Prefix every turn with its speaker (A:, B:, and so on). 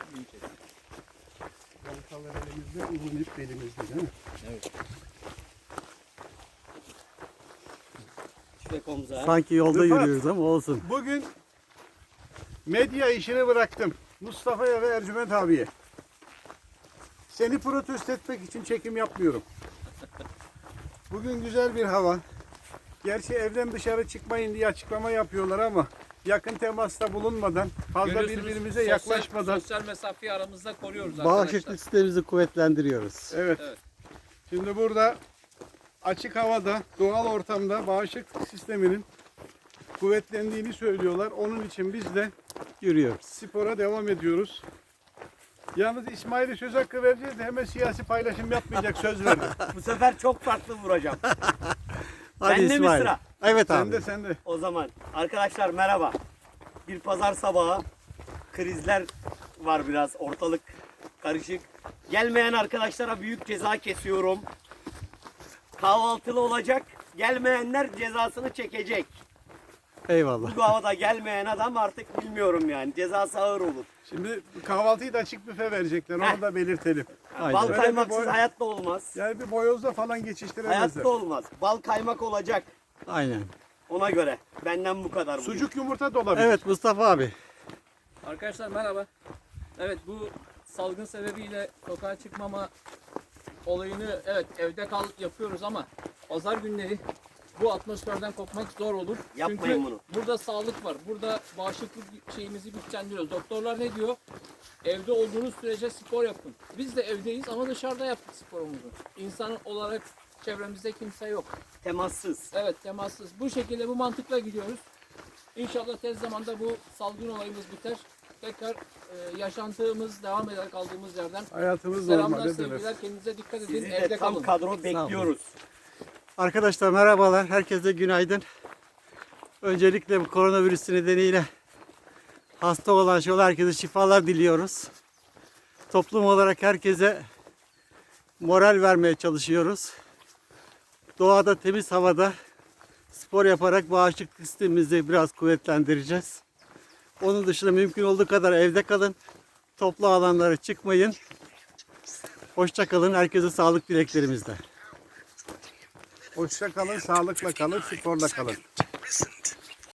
A: Baltalar elimizde, uzun ip belimizde değil mi?
B: Evet. Tüfek omza.
C: Sanki yolda
A: Rıfat.
C: yürüyoruz ama olsun.
A: Bugün medya işini bıraktım. Mustafa'ya ve Ercüment abiye. Seni protesto etmek için çekim yapmıyorum. Bugün güzel bir hava. Gerçi evden dışarı çıkmayın diye açıklama yapıyorlar ama yakın temasta bulunmadan, fazla birbirimize yaklaşmadan.
D: Sosyal mesafeyi aramızda koruyoruz
C: Bağışıklık
D: arkadaşlar.
C: sistemimizi kuvvetlendiriyoruz.
A: Evet.
D: Evet.
A: Şimdi burada açık havada, doğal ortamda bağışıklık sisteminin kuvvetlendiğini söylüyorlar. Onun için biz de
C: Yürüyoruz.
A: spora devam ediyoruz. Yalnız İsmail'e söz hakkı vereceğiz de hemen siyasi paylaşım yapmayacak söz verdim.
B: Bu sefer çok farklı vuracağım.
C: Hadi
B: Bende mi
C: İsmail.
B: sıra?
C: Evet
A: Sen
C: abi.
A: de sen de.
B: O zaman arkadaşlar merhaba. Bir pazar sabahı, krizler var biraz, ortalık karışık. Gelmeyen arkadaşlara büyük ceza kesiyorum. Kahvaltılı olacak. Gelmeyenler cezasını çekecek.
C: Eyvallah.
B: Bu havada gelmeyen adam artık bilmiyorum yani. Cezası ağır olur.
A: Şimdi kahvaltıyı da açık büfe verecekler. Onu
B: Heh.
A: da belirtelim.
C: Aynen.
B: Bal
A: Öyle bir
B: kaymaksız
A: boy-
B: hayatta olmaz.
A: Yani bir boyozla falan geçiştiremezler.
B: Hayatta olmaz. Bal kaymak olacak.
C: Aynen.
B: Ona göre. Benden bu kadar. bugün.
A: Sucuk yumurta da olabilir.
C: Evet Mustafa abi.
D: Arkadaşlar merhaba. Evet, bu salgın sebebiyle sokağa çıkmama olayını evet evde kal yapıyoruz ama pazar günleri bu atmosferden kopmak zor olur.
B: Yapmayın
D: Çünkü
B: bunu.
D: burada sağlık var. Burada bağışıklık şeyimizi güçlendiriyoruz. Doktorlar ne diyor? Evde olduğunuz sürece spor yapın. Biz de evdeyiz ama dışarıda yaptık sporumuzu. İnsan olarak çevremizde kimse yok.
B: Temassız.
D: Evet, temassız. Bu şekilde bu mantıkla gidiyoruz. İnşallah tez zamanda bu salgın olayımız biter. Tekrar yaşantımız devam eder kaldığımız yerden.
A: Hayatımız
D: Selamlar,
A: normalde
D: sevgiler.
A: döner.
D: Kendinize dikkat edin.
B: Sizi de
D: Evde
B: tam
D: kalın.
B: kadro bekliyoruz.
C: Arkadaşlar merhabalar. Herkese günaydın. Öncelikle bu koronavirüs nedeniyle hasta olan herkese şifalar diliyoruz. Toplum olarak herkese moral vermeye çalışıyoruz. Doğada, temiz havada spor yaparak bağışıklık sistemimizi biraz kuvvetlendireceğiz. Onun dışında mümkün olduğu kadar evde kalın. Toplu alanlara çıkmayın. Hoşça kalın. Herkese sağlık dileklerimizle.
A: Hoşça kalın, sağlıkla kalın, sporla kalın.